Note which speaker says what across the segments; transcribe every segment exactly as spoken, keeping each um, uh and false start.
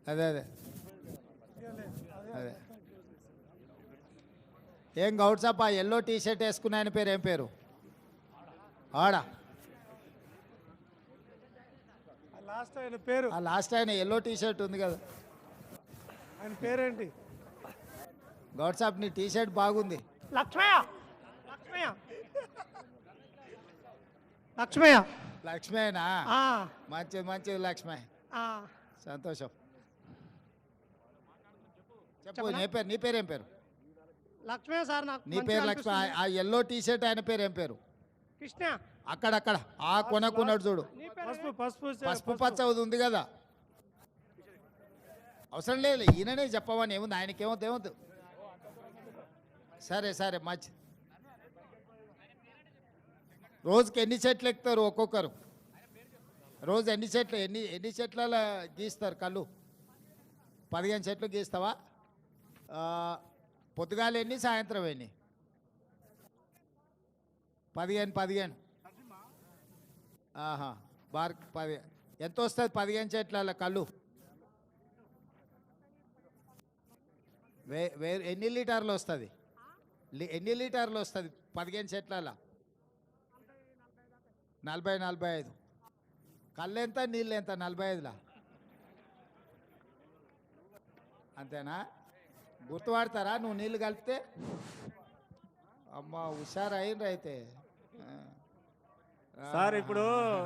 Speaker 1: అదే అదే అదే ఏం గౌడ్సాప్ ఆ ఎల్లో టీ షర్ట్ వేసుకున్న ఆయన పేరు ఏం పేరు? ఆడా
Speaker 2: లాస్ట్ ఆయన పేరు
Speaker 1: ఆ లాస్ట్ ఆయన ఎల్లో టీ షర్ట్ ఉంది కదా,
Speaker 2: ఆయన పేరేంటి?
Speaker 1: గౌడ్సాప్ నీ టీ షర్ట్ బాగుంది.
Speaker 2: లక్ష్మయ్య లక్ష్మయ్య లక్ష్మయ్య
Speaker 1: లక్ష్మేనా?
Speaker 2: ఆ,
Speaker 1: మంచిది మంచిది లక్ష్మే,
Speaker 2: ఆ.
Speaker 1: సంతోషం. చెప్పు
Speaker 2: చెప్పనా?
Speaker 1: నీ పేరు నీ పేరు ఏం పేరు?
Speaker 2: లక్ష్మయ్య సార్ నాకు
Speaker 1: నీ
Speaker 2: మంచిగా
Speaker 1: పేరు లక్ష్మి.
Speaker 2: అనిపిస్తుంది.
Speaker 1: ఆ ఎల్లో టీ షర్ట్ ఆయన పేరు ఏం పేరు?
Speaker 2: కృష్ణ.
Speaker 1: అక్కడక్కడ ఆ కొనకున్నాడు చూడు,
Speaker 2: నీ పేరు పసుపు పసుపు
Speaker 1: పసుపు పచ్చ ఉంది కదా. అవసరం లేదు, ఈయననే చెప్పమని ఏముంది, ఆయనకి ఏమవుతుంది ఏమవుతుంది. సరే సరే మంచి. రోజుకి ఎన్ని చెట్లు ఎక్కుతారు ఒక్కొక్కరు? రోజు ఎన్ని చెట్లు ఎన్ని ఎన్ని చెట్ల గీస్తారు కళ్ళు? పదిహేను చెట్లు గీస్తావా? ఆ, పొద్దుగాల ఎన్ని, సాయంత్రం ఎన్ని? పదిహేను పదిహేను ఆహా, బార్ పది ఎంత వస్తుంది పదిహేను చెట్ల కళ్ళు? వే వే ఎన్ని లీటర్లు వస్తుంది? ఎన్ని లీటర్లు వస్తుంది పదిహేను చెట్ల? నలభై నలభై ఐదు. కళ్ళు ఎంత, నీళ్ళు ఎంత? నలభై ఐదులా అంతేనా? గుర్తుపడతారా నువ్వు నీళ్ళు కలిపితే? అమ్మ హుషారు అయిండ్రు అయితే.
Speaker 3: సార్ ఇప్పుడు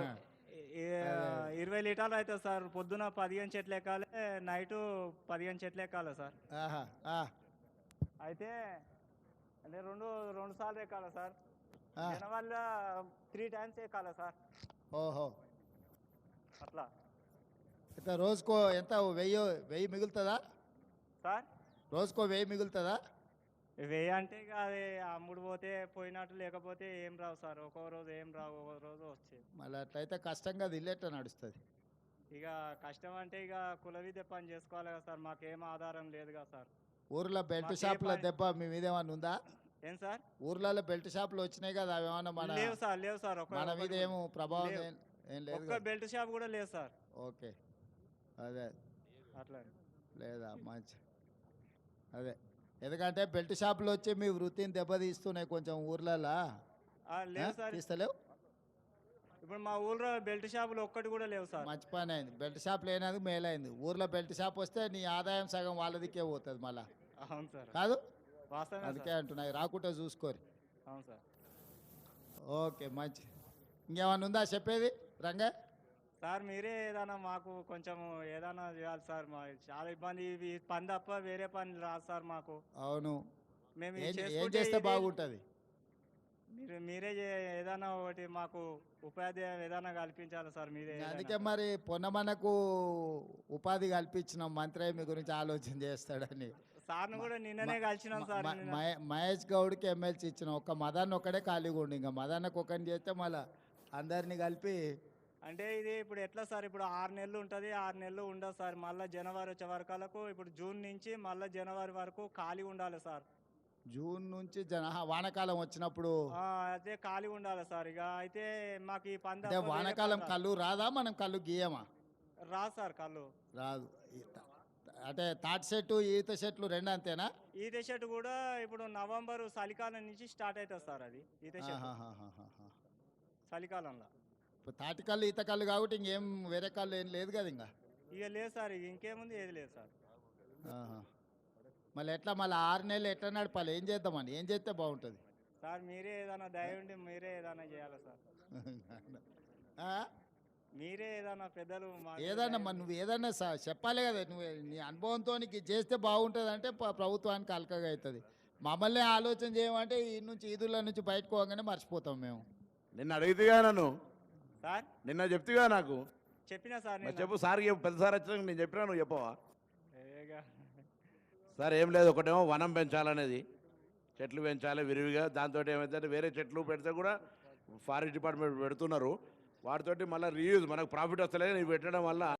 Speaker 3: ఇరవై లీటర్లు అవుతుంది సార్. పొద్దున పదిహేను చెట్లు ఎక్కాలి, నైటు పదిహేను చెట్లు ఎక్కాలి సార్.
Speaker 1: ఆహా, ఆ,
Speaker 3: అయితే అంటే రెండు రెండు సార్లు ఎక్కాలి సార్.
Speaker 1: ఆ.
Speaker 3: వల్ల త్రీ టైమ్స్ ఎక్కాలి సార్.
Speaker 1: ఓహో,
Speaker 3: అట్లా
Speaker 1: అయితే రోజుకో ఎంత, వెయ్యి వెయ్యి మిగులుతుందా?
Speaker 3: సార్
Speaker 1: రోజుకో వెయ్యి మిగులుతుందా?
Speaker 3: వెయ్యి అంటే ఇక అది అమ్ముడు పోతే పోయినట్టు, లేకపోతే ఏం రావు సార్. ఒక్కో రోజు ఏం రావు, ఒక్కో రోజు వచ్చేది.
Speaker 1: మళ్ళీ అట్లయితే కష్టంగా ఇల్లేట నడుస్తుంది.
Speaker 3: ఇక కష్టం అంటే ఇక కుల విద్య పని చేసుకోవాలి కదా సార్. మాకేం ఆధారం లేదు కదా సార్.
Speaker 1: ఊర్లో బెల్ట్
Speaker 3: మాకే
Speaker 1: షాపుల
Speaker 3: పని-
Speaker 1: దెబ్బ మీ మీద ఏమన్నా ఉందా?
Speaker 3: ఏం సార్?
Speaker 1: ఊర్లలో బెల్ట్ షాపులు వచ్చినాయి కదా, అవి ఏమన్నా మన
Speaker 3: లేవు సార్, లేవు సార్. ఒక్క
Speaker 1: మన మీద ఏమో ప్రభావం
Speaker 3: లేవు.
Speaker 1: ఏం ఏం లేదు
Speaker 3: ఒక్క
Speaker 1: కదా?
Speaker 3: బెల్ట్ షాప్ కూడా లేదు సార్.
Speaker 1: ఓకే, అదే
Speaker 3: అట్లా
Speaker 1: లేదా మంచి. అదే ఎందుకంటే బెల్ట్ షాపులు వచ్చి మీ వృత్తిని దెబ్బతీస్తున్నాయి కొంచెం ఊర్లలో.
Speaker 3: ఆ, లేవు సార్.
Speaker 1: తీస్తలేవు?
Speaker 3: ఇప్పుడు మా ఊళ్ళో బెల్ట్ షాపులు ఒక్కటి కూడా లేవు సార్.
Speaker 1: మంచి పని అయింది, బెల్ట్ షాప్ లేనందుకు మేలైంది. ఊర్లో బెల్ట్ షాప్ వస్తే నీ ఆదాయం సగం వాళ్ళదికే పోతుంది మళ్ళా,
Speaker 3: అవును సార్,
Speaker 1: కాదు?
Speaker 3: వాస్తవమే
Speaker 1: అందుకే
Speaker 3: సార్.
Speaker 1: అంటున్నాయి, రాకుంటే చూసుకోరు.
Speaker 3: అవును సార్.
Speaker 1: ఓకే మంచి. ఇంకేమన్నా ఉందా చెప్పేది రంగా?
Speaker 3: సార్ మీరే ఏదైనా మాకు కొంచెం ఏదైనా చేయాలి సార్. మా చాలా ఇబ్బంది, ఇవి పని తప్ప వేరే పని రాదు సార్ మాకు.
Speaker 1: అవును,
Speaker 3: మేము ఇది
Speaker 1: ఏం ఏం
Speaker 3: చేసుకుంటే
Speaker 1: చేస్తే
Speaker 3: ఇది-
Speaker 1: బాగుంటుంది?
Speaker 3: మీరు మీరే చే- ఏదైనా ఒకటి మాకు ఉపాధి ఏదైనా కల్పించాలి సార్. మీరే ఏదైనా.
Speaker 1: అందుకే మరి పొన్నమనకు ఉపాధి కల్పించిన మంత్రి మీ గురించి ఆలోచన చేస్తాడని.
Speaker 3: సార్ను కూడా నిన్ననే కలిసినాం సార్.
Speaker 1: మ-
Speaker 3: నిన్న.
Speaker 1: మహే- మహేష్ గౌడ్కి ఎమ్మెల్సీ ఇచ్చిన ఒక్క మదన్ ఒక్కడే ఖాళీగా ఉండి, ఇంకా మదన్నకు ఒకరిని చేస్తే మళ్ళీ అందరినీ కలిపి.
Speaker 3: అంటే ఇది ఇప్పుడు ఎట్లా సార్? ఇప్పుడు ఆరు నెలలు ఉంటుంది, ఆరు నెలలు ఉండదు సార్. మళ్ళీ జనవరి వచ్చే వరకలకు, ఇప్పుడు జూన్ నుంచి మళ్ళీ జనవరి వరకు ఖాళీ ఉండాలి సార్.
Speaker 1: జూన్ నుంచి జన ఆహా, వానాకాలం వచ్చినప్పుడు.
Speaker 3: ఆ, అయితే ఖాళీ ఉండాలి సార్. ఇక అయితే మాకు ఈ పంద
Speaker 1: అంటే వానాకాలం కళ్ళు రాదా, మనం కళ్ళు గీయమా?
Speaker 3: రాదు సార్ కళ్ళు.
Speaker 1: రాదు. ఈ త- అంటే తాటి చెట్టు ఈత చెట్లు రెండు అంతేనా?
Speaker 3: ఈత చెట్టు కూడా ఇప్పుడు నవంబర్ చలికాలం నుంచి స్టార్ట్ అవుతుంది సార్. అది ఈత చెట్టు
Speaker 1: ఆహాహాహాహా.
Speaker 3: చలికాలంలో.
Speaker 1: ఇప్పుడు తాటి కళ్ళు ఈత కళ్ళు కాబట్టి ఇంకేం వేరే కళ్ళు ఏం లేదు కదా ఇంకా.
Speaker 3: ఇక లేదు సార్, ఇక ఇంకేముంది, ఏది లేదు సార్.
Speaker 1: ఆహా. మళ్ళీ ఎట్లా మళ్ళీ ఆరు నెలలు ఎట్లా నడపాలి? ఏం చేద్దామని, ఏం చేస్తే బాగుంటుంది?
Speaker 3: సార్ మీరే ఏదైనా దయ ఉండి మీరే ఏదైనా చేయాలి సార్.
Speaker 1: ఆ?
Speaker 3: మీరే ఏదైనా పెద్దలు మాకు
Speaker 1: ఏదన్నా
Speaker 3: దయ
Speaker 1: మరి
Speaker 3: ఉండి-
Speaker 1: నువ్వు ఏదన్నా స- చెప్పాలి కదా, నువ్వు నీ అనుభవంతో నీకు ఇది చేస్తే బాగుంటుంది అంటే ప- ప్రభుత్వానికి అలకగా అవుతుంది. మమ్మల్ని ఆలోచన చేయమంటే ఈ నుంచి ఈదుల నుంచి బయటకు పోగానే మర్చిపోతాం మేము.
Speaker 4: నిన్న అడిగితేగా నన్ను,
Speaker 3: సార్
Speaker 4: నిన్న చెప్తిగా నాకు.
Speaker 3: చెప్పినా సార్
Speaker 4: మరి
Speaker 3: నేను.
Speaker 4: చెప్పు సార్, చెప్పు పెద్ద సార్ వచ్చినాక నేను చెప్పినా, నువ్వు చెప్పవా?
Speaker 3: ఏగా.
Speaker 4: సార్ ఏం లేదు, ఒకటేమో వనం పెంచాలనేది, చెట్లు పెంచాలి విరివిగా. దాంతో ఏమైతే వేరే చెట్లు పెడితే కూడా ఫారెస్ట్ డిపార్ట్మెంట్ పెడుతున్నారు, వాటితోటి మళ్ళీ రీయూజ్ మనకు ప్రాఫిట్ వస్తలేదు. ఇవి పెట్టడం వల్ల